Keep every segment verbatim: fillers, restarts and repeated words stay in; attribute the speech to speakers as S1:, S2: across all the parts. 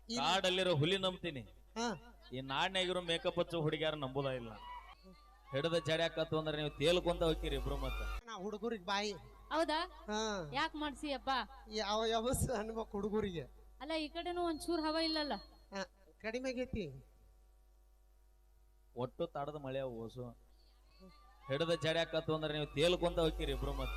S1: ಕಾಡಲ್ಲಿರೋ ಹುಲಿ ನಂಬ್ತೀನಿ,
S2: ಹಾ
S1: ಈ ನಾಡ್ನಾಗಿರೋ ಮೇಕಪ್ ಹಚ್ಚು ಹುಡುಗ್ಯಾರ ನಂಬುದ ಇಲ್ಲ. ಹಿಡದ ಜಡ್ಯಾಕತ್ತು ಅಂದ್ರೆ ನೀವು ತೇಲ್ಕೊಂತ ಹೋಗ್ತೀರಿ ಇಬ್ರು. ಮತ್ತ
S2: ನಾ ಹುಡುಗರಿಗೆ ಬಾಯಿ
S3: ಹೌದಾ
S2: ಹಾ
S3: ಯಾಕೆ ಮಾಡ್ಸಿಯಪ್ಪ?
S2: ಯಾವ ಯಾವಸ್ ಅನ್ಬೇಕು ಹುಡುಗರಿಗೆ.
S3: ಅಲ್ಲ ಈ ಕಡೆನೂ ಒಂಚೂರ್ ಹವಾ ಇಲ್ಲಲ್ಲ.
S2: ಹಾ ಕಡಿಮೆ ಆಗೈತಿ.
S1: ಒಟ್ಟು ತಾಡದ ಮಳೆ ಓಸು ಹಿಡದ ಜಡ್ಯಾಕತ್ತು ಅಂದ್ರೆ ನೀವು ತೇಲ್ಕೊಂತ ಹೋಗ್ತೀರಿ ಇಬ್ರು. ಮತ್ತ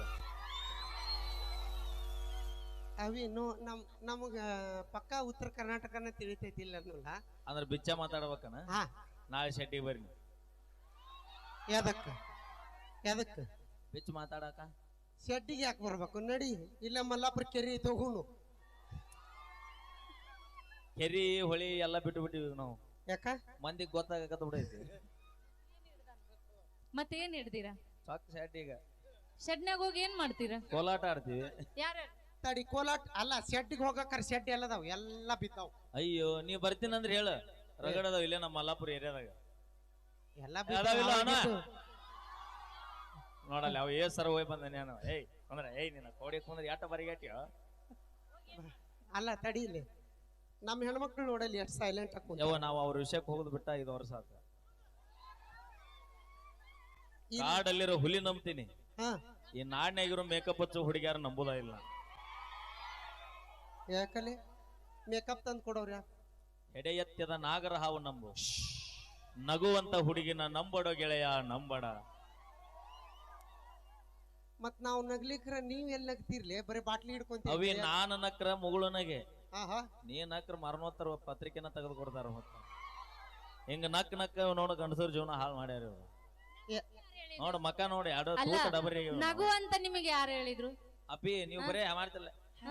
S2: ಅವಿ ನೋ ನಮ್ ನಮಗ ಪಕ್ಕ ಉತ್ತರ ಕರ್ನಾಟಕನ ತಿಳಿತೈತಿಲ್ಲ ಅನ್ನೋಲ್ಲ.
S1: ಅಂದ್ರೆ ಬಿಚ್ಚ ಮಾತಾಡ್ಬೇಕನ.
S2: ಹಾ
S1: ನಾಳೆ ಶೆಟ್ಟಿಗೆ ಬರ್ರಿ.
S2: ಯಾದಕ್ಕ ಯಾದಕ್ಕ
S1: ಬಿಚ್ಚ ಮಾತಾಡಕ
S2: ಶೆಡ್ಡಿಗೆ ಯಾಕೆ ಬರ್ಬೇಕು? ನಡಿ, ಇಲ್ಲ ಮಲ್ಲಾಪುರ ಕೆರಿ ತಗೊಂಡು.
S1: ಕೆರಿ ಹೊಳಿ ಎಲ್ಲ ಬಿಟ್ಟು ಬಿಟ್ಟಿವಿ ನಾವು.
S2: ಯಾಕ
S1: ಮಂದಿಗೆ ಗೊತ್ತಾಗತ್ತ ಬಿಡೈತಿ.
S3: ಮತ್ತೇನ್ ಹಿಡ್ದೀರಾ?
S1: ಸಾಕು ಶೆಟ್ಟಿಗ
S3: ಶೆಡ್ನ್ಯಾಗ ಹೋಗಿ ಏನ್ ಮಾಡ್ತೀರಾ?
S1: ಕೋಲಾಟ ಆಡ್ತೀವಿ.
S3: ಯಾರ
S2: ತಡಿ ಕೋಲಾಟ ಅಲ್ಲ, ಶೆಡ್ಡಿಗೆ ಹೋಗಕ್ಕಾರ ಶೆಡ್ ಎಲ್ಲದಾವ್, ಎಲ್ಲ ಬಿದ್ದಾವ್.
S1: ಅಯ್ಯೋ ನೀ ಬರ್ತೀನಂದ್ರೆ ಹೇಳ, ರಗಡದಾವ್ ಇಲ್ಲೇ ನಮ್ಮ ಮಲ್ಲಾಪುರ ಏರಿಯಾದಾಗ.
S2: ಎಲ್ಲ
S1: ಅದಾವಿಲ್ಲ ಅಣ್ಣ? ನೋಡಲ್ಲ ಅವ ಏ ಸರ ಹೋಗಿ ಬಂದ ನಾನು. ಏಯ್ ಅಂದ್ರೆ ಏಯ್ ನಿನ್ನ ಕೋಡಿ ಕುಂದ್ರೆ ಯಾಟ ಬರಿಗಾಟಿಯೋ.
S2: ಅಲ್ಲ ತಡಿ, ಇಲ್ಲಿ ನಮ್ಮ ಹೆಣ್ಮಕ್ಳು ನೋಡಲಿ ಎಷ್ಟು ಸೈಲೆಂಟ್ ಹಾಕೊಂಡು.
S1: ಯಾವ ನಾವು ಅವ್ರ ವಿಷಯಕ್ಕೆ ಹೋಗುದು ಬಿಟ್ಟ ಐದು ವರ್ಷ ಆತ. ಕಾಡಲ್ಲಿರೋ ಹುಲಿ ನಂಬ್ತೀನಿ,
S2: ಹಾ
S1: ಈ ನಾಡ್ನಾಗಿರೋ ಮೇಕಪ್ ಹಚ್ಚು ಹುಡುಗ್ಯಾರ ನಂಬುದ ಇಲ್ಲ.
S2: ಯಾಕಲೆ ಮೇಕಪ್ ತಂದು ಕೊಡೋರ್ಯಾ?
S1: ಎಡೆ ಎತ್ತದ ನಾಗರ ಹಾವು ನಂಬು, ನಗುವಂತ ಹುಡುಗಿನ ನಂಬಡೋ ಗೆಳೆಯ ನಂಬಡ.
S2: ಮತ್ ನಾವು ನಗ್ಲಿಕ್ರ ನೀವ್ ಎಲ್ಲಿ ನಗ್ತಿರ್ಲಿ? ಬರೀ ಬಾಟ್ಲಿ ಹಿಡ್ಕೊಂತೀವಿ.
S1: ಅವಿ ನಾನ ನಕ್ರ ಮುಗುಳುನಗೆ,
S2: ಆಹಾ
S1: ನೀ ನಕ್ರ ಮರಣೋತ್ತರ ಪತ್ರಿಕೆನ ತೆಗೆದು ಕೊಡ್ತಾರ. ಮತ್ತ ಹಿಂಗ ನಕ್ ನಕ್ ನೋಡ ಗಂಡಸರ ಜೀವನ ಹಾಳು ಮಾಡ್ಯಾರ ಇವ್ರು. ನೋಡ ಮಕ್ಕ ನೋಡಿ ಅಡ ತೂಕ ಡಬರಿ.
S3: ನಗು ಅಂತ ನಿಮಗೆ ಯಾರು ಹೇಳಿದ್ರು?
S1: ಅಪ್ಪಿ ನೀವು ಬರೇ ಮಾಡ್ತಿಲ್ಲ.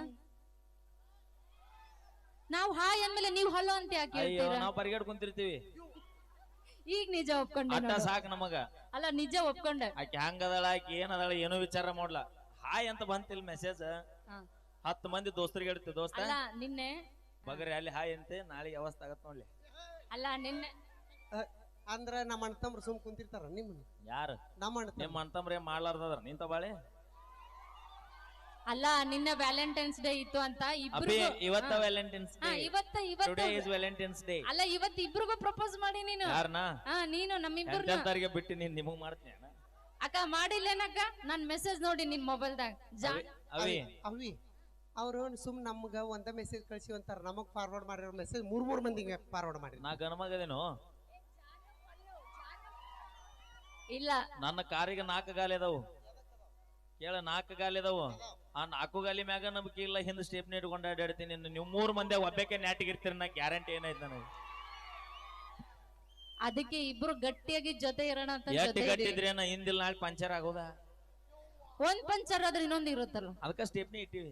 S3: ನಾವು ಹಾಯ್ ಅಂದ್ಮೇಲೆ ನೀವು ಹಲೋ ಅಂತ ಯಾಕೆ
S1: ಅಯ್ಯೋ
S3: ಹೇಳ್ತೀರಾ?
S1: ನಾವ್ ಪರಿಗಡ್ ಕುಂತಿರ್ತೀವಿ.
S3: ಈಗ ನಿಜ ಒಪ್ಕೊಂಡೆ.
S1: ಅಟ್ಟ ಸಾಕ್ ನಮಗ.
S3: ಅಲ್ಲ ನಿಜ ಒಪ್ಕೊಂಡೆ.
S1: ಆಕೆ ಹಂಗದಳ, ಆಕಿ ಏನದಳ ಏನೋ ವಿಚಾರ ಮಾಡ್ಲಾ. ಹಾಯ್ ಅಂತ ಬಂತಿಲ್ ಮೆಸೇಜ್. ಹತ್ತು ಮಂದಿ ದೋಸ್ತರಿಗೆ ಹೇಳ್ತಿ, ದೋಸ್ತ
S3: ಅಲ್ಲ ನಿನ್ನೆ
S1: ಬಗರಿ ಅಲ್ಲಿ ಹಾಯ್ ಅಂತೆ, ನಾಳೆ ಅವಸ್ಥೆ ಆಗತ್ ನೋಡ್ಲಿ.
S3: ಅಲ್ಲ ನಿನ್ನೆ
S2: ಅಂದ್ರ ನಮ್ಮ ಅಣ್ತಮ್ರು ಸುಮ್ ಕುಂತಿರ್ತಾರ. ನಿಮ್ಮನ್ನ
S1: ಯಾರು
S2: ನಮ್ಮ ಅಣ್ಣ
S1: ನಿಮ್ಮ ಅಂತಂಬ್ರೆ ಮಾಡ್ಲಾರ್ದದ್ರ ನಿಂತ ಬಾಳೆ.
S3: ಅಲ್ಲ ನಿನ್ನೆ ವ್ಯಾಲೆಂಟೈನ್ಸ್ ಡೇ ಇತ್ತು ಅಂತ
S1: ಅಪ್ಪಿ
S3: ಇಬ್ರಿಗೂ
S1: ಇವತ್ತ ವ್ಯಾಲೆಂಟೈನ್ಸ್ ಡೇ.
S3: ಇವತ್ತ ಇವತ್ತು
S1: ಟುಡೇ ಇಸ್ ವ್ಯಾಲೆಂಟೈನ್ಸ್ ಡೇ.
S3: ಅಲ್ಲ ಇವತ್ತು ಇಬ್ರಿಗೂ ಪ್ರಪೋಸ್ ಮಾಡಿ ನೀನು.
S1: ಯಾರನ?
S3: ಹಾ ನೀನು ನಮ್ಮಿಬ್ರು
S1: ಎಂತಾರಿಗೆ ಬಿಟ್ಟು ನೀನ್ ನಿಮಗ್ ಮಾಡ್ತೀನಿ ಅಣ್ಣ.
S3: ಅಕ್ಕ ಮಾಡಿಲ್ಲೇನಕ್ಕ? ನನ್ ಮೆಸೇಜ್ ನೋಡಿ ನಿನ್ ಮೊಬೈಲ್ದಾಗ.
S1: ಅವಿ
S2: ಅವಿ ಅವ್ರು ಸುಮ್ ನಮ್ಗ ಒಂದ ಮೆಸೇಜ್ ಕಳ್ಸಿ ಅಂತಾರ, ನಮಗ್ ಫಾರ್ವರ್ಡ್ ಮಾಡಿರೋ ಮೆಸೇಜ್ ಮೂರ್ ಮೂರ್ ಮಂದಿಗೆ ಫಾರ್ವರ್ಡ್ ಮಾಡಿ.
S1: ನಾ ಗಣಮಗದೇನು?
S3: ಇಲ್ಲ
S1: ನನ್ನ ಕಾರಿಗೆ ನಾಲ್ಕು ಗಾಲಿ ಅದಾವು. ಕೇಳ ನಾಲ್ಕು ಗಾಲಿ ಅದಾವು. ಆ ನಾಲ್ಕು ಗಾಲಿ ಮ್ಯಾಗ ನಂಬಿಕೆ ಇಲ್ಲ, ಹಿಂದ್ ಸ್ಟೇಪ್ ಇಟ್ಕೊಂಡು ಅಡ್ಡಾಡ್ತೀನಿ. ನೀವು ಮೂರ್ ಮಂದಿ ಒಬ್ಬಕ್ಕೆ ನ್ಯಾಟಿಗಿರ್ತೀರಿ, ನಾ ಗ್ಯಾರಂಟಿ ಏನೈತೆ ನನಗೆ.
S3: ಅದಕ್ಕೆ ಇಬ್ರು ಗಟ್ಟಿಯಾಗಿ ಜೊತೆ ಇರೋಣ ಅಂತ
S1: ಎಷ್ಟು ಗಟ್ಟಿದ್ರೆ ನಾ ಹಿಂದಿಲ್ ನಾಳೆ ಪಂಚರ್ ಆಗೋದ.
S3: ಒಂದ್ ಪಂಚರ್ ಆದ್ರೆ ಇನ್ನೊಂದು ಇರುತ್ತಲ್ಲ,
S1: ಅದಕ್ಕ ಸ್ಟೇಪ್ನಿ ಇಟ್ಟಿವಿ.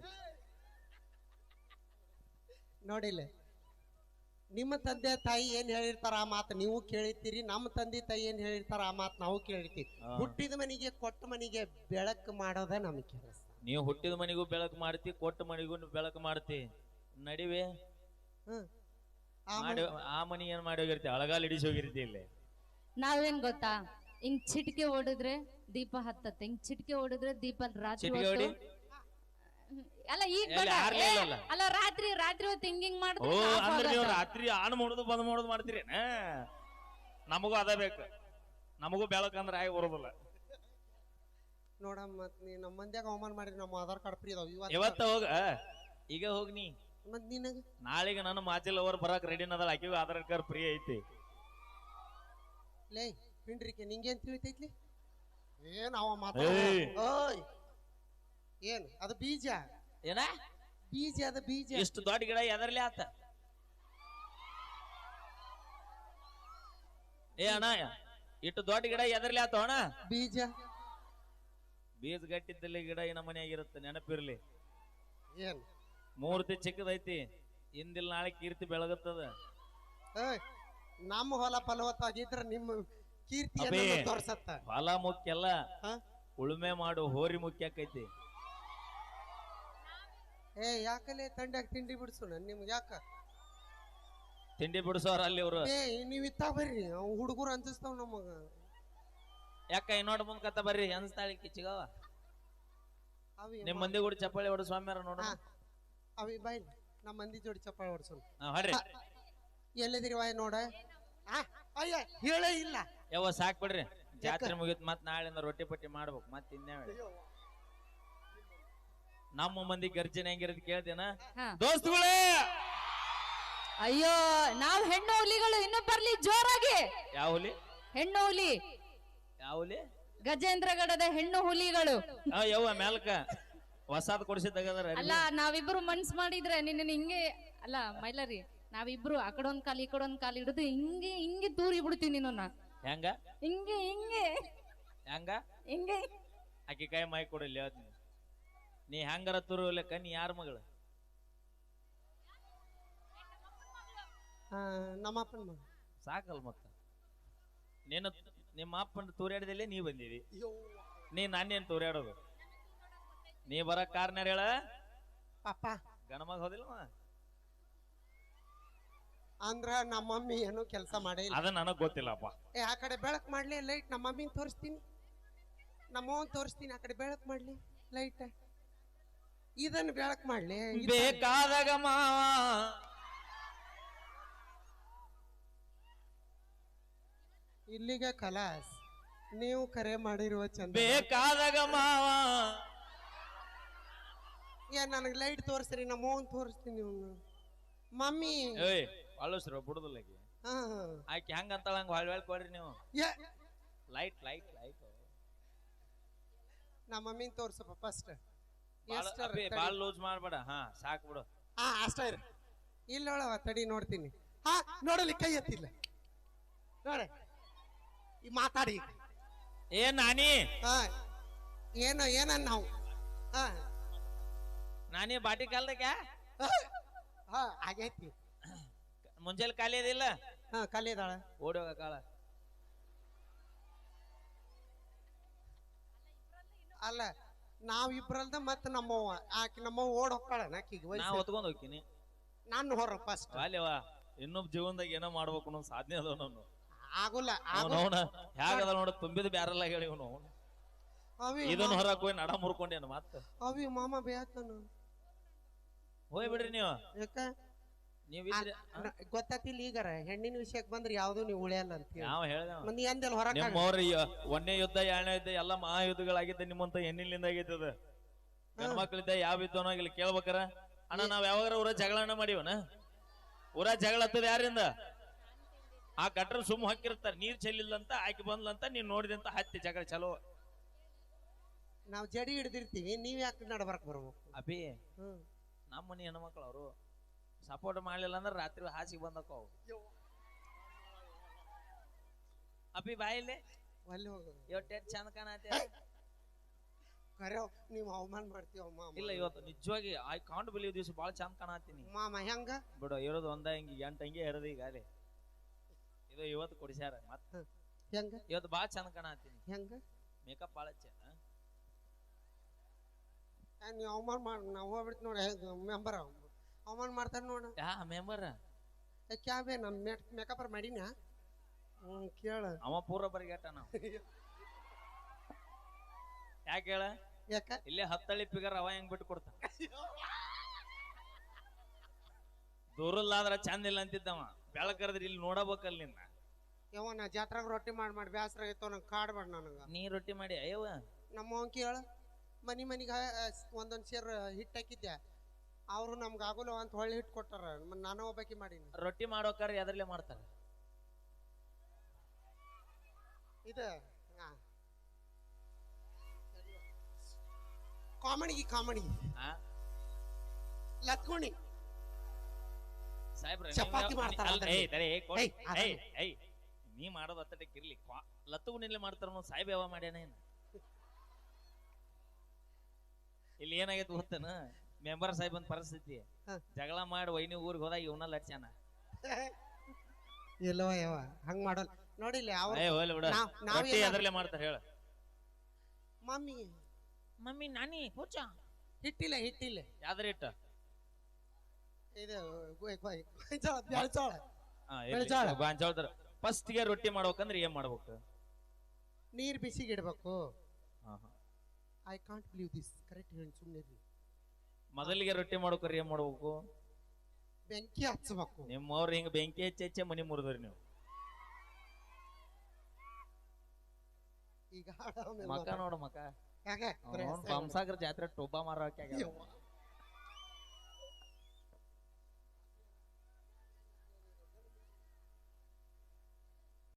S2: ನೋಡಿಲ್ಲ, ನಿಮ್ಮ ತಂದೆ ತಾಯಿ ಏನ್ ಹೇಳಿರ್ತಾರ ಆ ಮಾತು ನೀವು ಕೇಳಿರ್ತೀರಿ, ನಮ್ಮ ತಂದೆ ತಾಯಿ ಏನ್ ಹೇಳಿರ್ತಾರ ಆ ಮಾತು ನಾವು ಕೇಳಿರ್ತೀವಿ. ಹುಟ್ಟಿದ ಮನೆಗೆ ಕೊಟ್ಟ ಮನೆಗೆ ಬೆಳಕು ಮಾಡೋದ ನಮ್ ಕೆಲಸ.
S1: ನೀವು ಹುಟ್ಟಿದ ಮನೆಗೂ ಬೆಳಕು ಮಾಡ್ತಿ, ಕೊಟ್ಟ ಮನೆಗೂ ಬೆಳಕು ಮಾಡ್ತಿ. ನಡಿವೆ
S2: ಹ್ಮ್
S1: ಆ ಮನಿ ಏನ್ ಮಾಡಿ ಹೋಗಿರ್ತಿ? ಅಳಗಾಲ್ ಹಿಡಿಸಿ ಹೋಗಿರ್ತಿ. ಇಲ್ಲಿ
S3: ನಾವೇನ್ ಗೊತ್ತಾ, ಹಿಂಗ್ ಚಿಟಿಕೆ ಹೊಡಿದ್ರೆ ದೀಪ ಹತ್ತತ್ತೆ, ಹಿಂಗ್ ಚಿಟಿಕೆ ಹೊಡಿದ್ರೆ ದೀಪ ರಾತ್ರಿ ಹೊತ್ತು. ಅಲ್ಲ ಈಗ ಅಲ್ಲ ರಾತ್ರಿ ರಾತ್ರಿ ಹೊತ್ತು ಹಿಂಗ್ ಹಿಂಗ್
S1: ಓ ಅಂದ್ರೆ ನೀವು ರಾತ್ರಿ ಆನ್ ಮಾಡೋದು ಬಂದ್ ಮಾಡೋದು ಮಾಡ್ತೀರಿ. ನಮಗೂ ಅದ ಬೇಕು, ನಮಗೂ ಬೆಳಕಂದ್ರೆ ಆಗಿ ಬರೋದಿಲ್ಲ.
S2: ನೋಡಮ್ಮ ಮತ್ ನೀ ನಮ್ಮ ಮಂದ್ಯಾಗ ಅವಮಾನ ಮಾಡಿರಿ, ನಮ್ಮ ಆಧಾರ್ ಕಾರ್ಡ್ ಫ್ರೀ ಅದಾವ
S1: ಇವತ್ತ ಹೋಗ, ಈಗ ಹೋಗ್ನಿ.
S2: ಮತ್ ನಿನಗ
S1: ನಾಳೆಗೆ ನನ್ನ ಮಾಚಿಲ್ ಅವರ್ ಬರಾಕ್ ರೆಡಿ ನದಳ, ಆಕಿಗೂ ಆಧಾರ್ ಕಾರ್ಡ್ ಫ್ರೀ ಐತಿ.
S2: ಲೇ ಪಿಂಡ್ರಿಕೆ ನಿಂಗೇನ್ ತಿಳಿತೈತ್ಲಿ? ಏನ್ ಅವ ಮಾತ ಏನ್ ಅದು ಬೀಜ?
S1: ಏನ
S2: ಬೀಜ? ಅದ ಬೀಜ.
S1: ಇಷ್ಟು ದೊಡ್ಡ ಗಿಡ ಎದರ್ಲಿ ಆತ? ಏ ಅಣ್ಣ, ಇಷ್ಟು ದೊಡ್ಡ ಗಿಡ ಎದರ್ಲಿ ಆತ ಅಣ್ಣ?
S2: ಬೀಜ.
S1: ಬೀಜ ಗಟ್ಟಿದ್ದಲ್ಲಿ ಗಿಡ ಈ ನಮ್ಮನೆ ಆಗಿರುತ್ತೆ, ನೆನಪಿರ್ಲಿ.
S2: ಏನ್
S1: ಮೂರ್ತಿ ಚಿಕ್ಕದೈತಿ, ಇಂದಿಲ್ ನಾಳೆ ಕೀರ್ತಿ ಬೆಳಗುತ್ತದ.
S2: ನಮ್ಮ ಹೊಲ ಫಲವತ್ತಾಗಿದ್ರ ನಿಮ್ಮ ಕೀರ್ತಿ ತೋರ್ಸತ್ತ.
S1: ಹೊಲ ಮುಖ್ಯ ಅಲ್ಲ, ಉಳುಮೆ ಮಾಡು ಹೋರಿ ಮುಖ್ಯ ಆಕೈತಿ.
S2: ಏ ಯಾಕಲೆ ತಂಡ್ಯಾಗ ತಿಂಡಿ ಬಿಡ್ಸು ನಿಮ್ಗೆ? ಯಾಕ
S1: ತಿಂಡಿ ಬಿಡಿಸೋರ ಅಲ್ಲಿ ಇವ್ರು?
S2: ಏ ನೀವ್ ಇತ್ತ ಬರ್ರಿ, ಹುಡುಗರು ಅನ್ಸಿಸ್ತಾವ್ ನಮಗ.
S1: ಯಾಕ ಇನ್ನೋಡ್ ಮುಂದ್ ಕತ್ತ ಬರ್ರಿ ಅನ್ಸ್ತಾಳಿ ಕಿಚ್ಚಿಗವ. ನಿಮ್ ಮಂದಿ ಕೂಡ ಚಪ್ಪಾಳಿ ಹೊಡ ಸ್ವಾಮ್ಯಾರ ನೋಡ.
S2: ಅವಿ ಬಾಯ್ ನಮ್ಮ ಮಂದಿ ಜೋಡಿ ಚಪ್ಪಾಳೆ ಹೊಡ್ಸೋಣ
S1: ಹಾ, ಹೊಡ್ರಿ
S2: ಎಲ್ಲಿದಿರಿ ವಾಯ್ ನೋಡ ಆ, ಅಯ್ಯ ಹೇಳೇ ಇಲ್ಲ
S1: ಯಾವ ಸಾಕ್ ಬಿಡ್ರಿ ಜಾತ್ರೆ ಮುಗಿತ್ ಮತ್ ನಾಳೆಯಿಂದ ರೊಟ್ಟಿ ಪಟ್ಟಿ ಮಾಡ್ಬೇಕು ಮತ್ ಇನ್ನೇ ನಮ್ಮ ಮಂದಿ ಗರ್ಜನೆ ಹೆಂಗಿರೋದ್ ಕೇಳ್ತೇನ
S3: ಹಾ.
S1: ದೋಸ್ತುಗಳೇ
S3: ಅಯ್ಯೋ ನಾವ್ ಹೆಣ್ಣು ಹುಲಿಗಳು ಇನ್ನು ಬರ್ಲಿ ಜೋರಾಗಿ.
S1: ಯಾವ ಹುಲಿ
S3: ಹೆಣ್ಣು ಹುಲಿ,
S1: ಯಾವ ಹುಲಿ
S3: ಗಜೇಂದ್ರಗಡದ ಹೆಣ್ಣು ಹುಲಿಗಳು.
S1: ಆ ಯವ್ವ ಮ್ಯಾಲ್ಕ ಹೊಸಾದ್ ಕೊಡಿಸಿದಾಗದಾರ
S3: ಅಲ್ಲ ನಾವಿಬ್ರು ಮನ್ಸ್ ಮಾಡಿದ್ರೆ ನಿನ್ನ ಹಿಂಗೆ ಅಲ್ಲ ಮೈಲರಿ, ನಾವಿಬ್ರು ಆ ಕಡೆ ಒಂದ್ ಕಾಲ್ ಈ ಕಡೆ ಒಂದ್ ಕಾಲ್ ಹಿಡಿದು ಹಿಂಗೆ ಹಿಂಗೆ ತೂರಿ ಬಿಡ್ತೀನಿ ನಿನ್ನ.
S1: ಹೆಂಗ
S3: ಹಿಂಗೆ ಹಿಂಗೆ
S1: ಹೆಂಗ
S3: ಹಿಂಗೆ
S1: ಆಕಿ ಕೈ ಮೈ ಕೊಡಲಿ ಹೇಳ್ತೀನಿ. ನೀ ಹೆಂಗಾರ ತುರುವಲೆಕ್ಕ ನೀ ಯಾರ ಮಗಳು?
S2: ನಮ್ಮ ಅಪ್ಪನ ಮಗ.
S1: ಸಾಕಲ್ ಮತ್ತ ನೀನು ನಿಮ್ಮ ಅಪ್ಪನ ತೂರ್ಯಾಡದಲ್ಲೇ ನೀ ಬಂದಿದಿ, ನೀ ನಾನೇನ್ ತೂರ್ಯಾಡೋದು? ನೀ ಬರ ಕಾರ್ನಾರ ಹೇಳ
S2: ಪಾಪ
S1: ಗಣಮಗ ಹೋದಿಲ್ಲ
S2: ಅಂದ್ರ ನಮ್ಮ ಮಮ್ಮಿ ಏನು ಕೆಲಸ ಮಾಡೇ ಇಲ್ಲ.
S1: ಅದ ನನಗ್ ಗೊತ್ತಿಲ್ಲಪ್ಪ.
S2: ಏ ಆ ಕಡೆ ಬೆಳಕ್ ಮಾಡ್ಲಿ ಲೈಟ್, ನಮ್ಮ ಮಮ್ಮಿನ ತೋರಿಸ್ತೀನಿ, ನಮ್ಮವನ್ ತೋರಿಸ್ತೀನಿ. ಆ ಕಡೆ ಬೆಳಕ್ ಮಾಡ್ಲಿ ಲೈಟ್, ಇದನ್ನ ಬೆಳಕ್ ಮಾಡ್ಲಿ.
S1: ಬೇಕಾದಾಗ ಮಾವ
S2: ಇಲ್ಲಿಗೆ ಕಲಾಸ್, ನೀವು ಕರೆ ಮಾಡಿರುವ ಚಂದ.
S1: ಬೇಕಾದಾಗ ಮಾವ
S2: ಏ ನನಗ್ ಲೈಟ್ ತೋರಿಸ್ರಿ, ನಮ್ಮ ಅವನ್ ತೋರಿಸ್ತೀನಿ. ಇವ್ನು ಮಮ್ಮಿ
S1: ಏಯ್ ಅಳಸ್ರ ಬಿಡುದಿಲ್ಲ ಆಕಿ.
S2: ಹಾ
S1: ಆಕಿ ಹೆಂಗ ಅಂತಾಳ ಹಂಗ ಹೊಳ್ ಹೊಳ್ ಕೊಡ್ರಿ ನೀವು.
S2: ಏ
S1: ಲೈಟ್ ಲೈಟ್ ಲೈಟ್
S2: ನಮ್ಮ ಮಮ್ಮಿನ ತೋರ್ಸಪ್ಪ ಫಸ್ಟ್.
S1: ಬಾಳ ಲೂಸ್ ಮಾಡ್ಬೇಡ. ಹಾ ಸಾಕ್ ಬಿಡು.
S2: ಹಾ ಅಷ್ಟ ಇರ. ಇಲ್ಲೊಳವ ತಡಿ ನೋಡ್ತೀನಿ. ಹಾ ನೋಡಲಿ, ಕೈ ಎತ್ತಿಲ್ಲ ನೋಡ. ಈ ಮಾತಾಡಿ
S1: ಏನ್ ನಾನಿ
S2: ಹಾ ಏನು ಏನನ್ ನಾವು ಹಾ
S1: ನಾನಿ ಬಾಟಿ ಕಾಲ್ದಾಗ
S2: ಹಾ ಆಗೈತಿ.
S1: ಮುಂಜಾನೆ ಖಾಲಿ ಅದಿಲ್ಲ?
S2: ಹಾ ಖಾಲಿ ಅದಾಳ.
S1: ಓಡಿ ಹೋಗ ಕಾಳ.
S2: ಅಲ್ಲ ನಾವ್ ಇಬ್ರಲ್ದ ಮತ್ತ ನಮ್ಮವ್ವ, ಆಕಿ ನಮ್ಮವ್ವ ಓಡ್ ಹೋಗ್ತಾಳ. ಆಕಿಗೆ
S1: ನಾ ಹೊತ್ಕೊಂಡ್ ಹೋಗ್ತೀನಿ.
S2: ನಾನು ಹೊರ ಫಸ್ಟ್.
S1: ಅಲ್ಲೇವಾ ಇನ್ನೊಬ್ ಜೀವನದಾಗ ಏನೋ ಮಾಡ್ಬೇಕು ಅನ್ನೋ ಸಾಧನೆ ಅದ ನಾನು.
S2: ಆಗುಲ್ಲ
S1: ಅವನ ಹೇಗದ ನೋಡ ತುಂಬಿದ ಬ್ಯಾರಲ್ಲ ಹೇಳಿ ಅವನು. ಇದನ್ನ ಹೊರಕ್ ಹೋಗಿ ನಡ ಮುರ್ಕೊಂಡೇನು ಮತ್ತ.
S2: ಅವಿ ಮಾಮ ಬೇಯತ್ತಾನ.
S1: ಹೋಯ್ ಬಿಡ್ರಿ ನೀವು.
S2: ಯಾಕ
S1: ನೀವ್
S2: ಗೊತ್ತಿಲ್ಲ ಈಗಾರ ಹೆಣ್ಣಿನ ವಿಷಯಕ್ಕೆ ಬಂದ್ರೆ ಯಾವ್ದು ನೀವು ಉಳಿಯಲ್ಲ ಅಂತ
S1: ಯಾವ ಹೇಳ್ದ
S2: ಮಂದಿ ಅಂದೆಲ್ಲ ಹೊರ.
S1: ನಿಮ್ಮವ್ರ ಒಂದೇ ಯುದ್ಧ ಎರಡನೇ ಯುದ್ಧ ಎಲ್ಲ ಮಹಾಯುದ್ಧಗಳಾಗಿದ್ದ ನಿಮ್ಮಂತ ಹೆಣ್ಣಿನಿಂದ ಆಗೈತದ. ಗಂಡ್ಮಕ್ಳಿದ್ದ ಯಾವ ಯುದ್ಧನೋ ಇಲ್ಲಿ ಕೇಳ್ಬೇಕಾರ. ಅಣ್ಣ ನಾವ್ ಯಾವಾಗಾರ ಊರ ಜಗಳನ್ನ ಮಾಡಿವನ? ಊರ ಜಗಳ ಹತ್ತದ ಯಾರಿಂದ? ಆ ಗಟ್ರ ಸುಮ್ಮ ಹಾಕಿರ್ತಾರ, ನೀರ್ ಚೆಲ್ಲಿಲ್ಲಂತ ಆಕಿ ಬಂದ್ಲಂತ ನೀವ್ ನೋಡಿದಂತ ಹತ್ತಿ ಜಗಳ ಚಲೋ.
S2: ನಾವ್ ಜಡಿ ಹಿಡ್ದಿರ್ತೀವಿ, ನೀವ್ ಯಾಕೆ ನಡ್ಬರ್ಕ್ ಬರ್ಬೇಕು?
S1: ಅಭಿ
S2: ಹ್ಮ್
S1: ನಮ್ಮ ಮನಿ ಹೆಣ್ಮಕ್ಳು ಅವರು ಸಪೋರ್ಟ್ ಮಾಡ್ಲಿಲ್ಲ ಅಂದ್ರ ರಾತ್ರಿ ಹಾಸಿಗೆ ಬಂದಕ್ಕ ಅವು. ಅಭಿ ಬಾಯಿಲೆ
S2: ಅಲ್ಲಿ ಹೋಗೋದು
S1: ಇವತ್ತು ಚಂದ ಕಾಣತ್ತೆ.
S2: ಕರೆ ನೀವ್ ಅವಮಾನ ಮಾಡ್ತೀವ ಮಾಮ.
S1: ಇಲ್ಲ ಇವತ್ತು ನಿಜವಾಗಿ ಐ ಕಾಂಟ್ ಬಿಲೀವ್ ದಿವಸ ಬಾಳ ಚಂದ ಕಾಣತ್ತೀನಿ
S2: ಮಾಮ. ಹೆಂಗ
S1: ಬಿಡು, ಇರೋದು ಒಂದ ಹಿಂಗಿ ಎಂಟ ಹಂಗೆ ಇರೋದು ಈಗ ಅಲ್ಲಿ. ಇದು ಇವತ್ತು ಕೊಡಿಸ್ಯಾರ ಮತ್ತ.
S2: ಹೆಂಗ
S1: ಇವತ್ತು ಬಾಳ ಚಂದ ಕಾಣತ್ತೀನಿ.
S2: ಹೆಂಗ
S1: ಮೇಕಪ್ ಬಾಳ ಚ
S2: ನೀವ್ ಅವಮಾನ ಮಾಡ. ನಾವ್ ಹೋಗ್ಬಿಡ್ತ ನೋಡಿ ಮೆಂಬರ್ ಅವಮಾನ ಮಾಡ್ತಾರ ನೋಡ.
S1: ಯಾ ಮೆಂಬರ್
S2: ಕ್ಯಾಬೆ ನಮ್ ಮೇಕಪ್ ಮಾಡಿನ. ಹ್ಮ್ ಕೇಳ.
S1: ಅವ ಪೂರ ಬರಿಗಟ್ಟ ನಾವು. ಯಾಕೆ ಹೇಳ?
S2: ಯಾಕ
S1: ಇಲ್ಲೇ ಹತ್ತಳ್ಳಿ ಪಿಗರ್ ಅವ ಹೆಂಗ್ ಬಿಟ್ಟು ಕೊಡ್ತಾನ. ದೂರಲ್ಲಾದ್ರ ಚಂದ ಇಲ್ಲ ಅಂತಿದ್ದವ, ಬೆಳಕರದ್ರಿ ಇಲ್ಲಿ ನೋಡಬೇಕಲ್ಲ ನಿನ್ನ.
S2: ಯಾವ ನಾ ಜಾತ್ರಾಗ ರೊಟ್ಟಿ ಮಾಡಿ ಮಾಡಿ ಬ್ಯಾಸರ ಆಗೈತವ, ನಂಗೆ ಕಾಡ್ಬೇಡ ನನಗ.
S1: ನೀ ರೊಟ್ಟಿ ಮಾಡಿ ಅಯ್ಯವ
S2: ನಮ್ಮ ಅವ್ನ್ ಕೇಳ. ಮನಿ ಮನಿಗ ಒಂದೊಂದ್ ಸೇರ್ ಹಿಟ್ ಹಾಕಿದ್ದೆ, ಅವ್ರು ನಮ್ಗೆ ಆಗೋಲ್ಲ ಅಂತ ಹೊಳ್ಳಿ ಹಿಟ್ ಕೊಟ್ಟಾರ. ನಾನು ಒಬ್ಬಾಕಿ ಮಾಡೀನಿ.
S1: ರೊಟ್ಟಿ ಮಾಡೋಕಾರ ಎದ್ರಲ್ಲೇ ಮಾಡ್ತಾರ?
S2: ಇದ ಕಾಮಿಡಿ ಕಾಮಿಡಿ ಲತ್ಕೋಣಿ
S1: ಸಾಹೇಬ್ರ
S2: ಚಪಾತಿ ಮಾಡ್ತಾರ.
S1: ನೀ ಮಾಡೋದು ಅತ್ತಟಕ್ಕೆ ಇರ್ಲಿ, ಲತ್ತುಗುಣಿಲೆ ಮಾಡ್ತಾರ. ಸಾಹೇಬ್ ಯಾವ ಮಾಡ್ಯಾನ ಏನ? ಇಲ್ಲಿ ಏನಾಗೈತಿ ಗೊತ್ತೇನ? ಮೆಂಬರ್ ಸಾಹೇಬ್ ಅಂತ ಪರಿಸ್ಥಿತಿ. ಜಗಳ ಮಾಡಿ ವೈನಿ ಊರಿಗೆ ಹೋದಾಗ ಇವನ ಲಟ್ಸ್ಯಾನ.
S2: ಇಲ್ಲವ ಯಾವ ಹಂಗ ಮಾಡೋಲ್ಲ ನೋಡಿಲ್ಲ.
S1: ಎದ್ರಲ್ಲೇ ಮಾಡ್ತಾರ ಹೇಳ?
S2: ಮಮ್ಮಿ
S1: ಮಮ್ಮಿ ನಾನಿ ಪೂಜಾ
S2: ಹಿಟ್ಟಿಲ್ಲ ಹಿಟ್ಟಿಲ್ಲ.
S1: ಯಾವ್ದ್ರ ಇಟ್ಟ?
S2: ಇದು
S1: ಗಾಂಜಾಳದ್ರ. ಫಸ್ಟ್ ಗೆ ರೊಟ್ಟಿ ಮಾಡ್ಬೇಕಂದ್ರೆ ಏನ್ ಮಾಡ್ಬೇಕು?
S2: ನೀರ್ ಬಿಸಿಗೆ ಇಡ್ಬೇಕು. I can't believe this. Correct ಹೇಳಿ ಸುಮ್ಮನೆ.
S1: ಮೊದಲಿಗೆ ರೊಟ್ಟಿ ಮಾಡ್ಬೇಕ್ರಿ ಏನ್ ಮಾಡ್ಬೇಕು?
S2: ಬೆಂಕಿ ಹಚ್ಚಬೇಕು.
S1: ನಿಮ್ಮವ್ರು ಹಿಂಗ ಬೆಂಕಿ ಹೆಚ್ಚಿ ಹೆಚ್ಚೆ ಮನಿ ಮುರಿದ್ರಿ ನೀವು.
S2: ಈಗ ಹಾಡ ಆಮೇಲೆ
S1: ಮಕ ನೋಡು ಮಕ
S2: ಯಾಕೆ?
S1: ಬಂಸಾಗರ ಜಾತ್ರೆ ಟೊಬ್ಬ ಮಾರೋಕೆ